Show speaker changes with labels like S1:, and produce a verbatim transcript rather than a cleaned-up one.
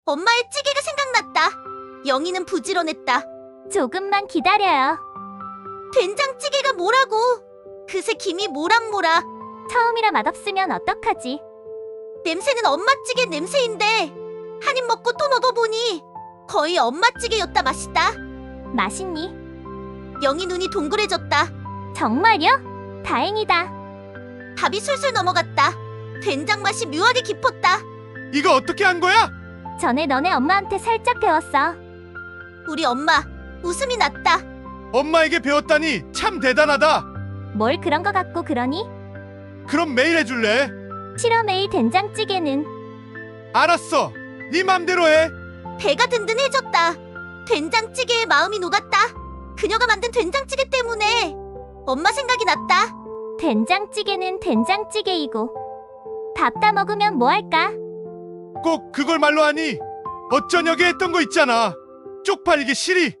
S1: 엄마의 찌개가 생각났다. 영희는 부지런했다.
S2: 조금만 기다려요.
S1: 된장찌개가 뭐라고? 그새 김이 모락모락.
S2: 처음이라 맛없으면 어떡하지?
S1: 냄새는 엄마 찌개 냄새인데 한 입 먹고 또 먹어보니 거의 엄마 찌개였다. 맛있다.
S2: 맛있니?
S1: 영희 눈이 동그래졌다.
S2: 정말요? 다행이다.
S1: 밥이 술술 넘어갔다. 된장 맛이 묘하게 깊었다.
S3: 이거 어떻게 한 거야?
S2: 전에 너네 엄마한테 살짝 배웠어.
S1: 우리 엄마 웃음이 났다.
S3: 엄마에게 배웠다니 참 대단하다.
S2: 뭘 그런 거 갖고 그러니?
S3: 그럼 매일 해줄래?
S2: 싫어. 매일 된장찌개는.
S3: 알았어. 네 맘대로 해.
S1: 배가 든든해졌다. 된장찌개에 마음이 녹았다. 그녀가 만든 된장찌개 때문에 엄마 생각이 났다.
S2: 된장찌개는 된장찌개이고 밥 다 먹으면 뭐 할까?
S3: 꼭 그걸 말로 하니 어쩌냐게 했던 거 있잖아. 쪽팔리게 싫이.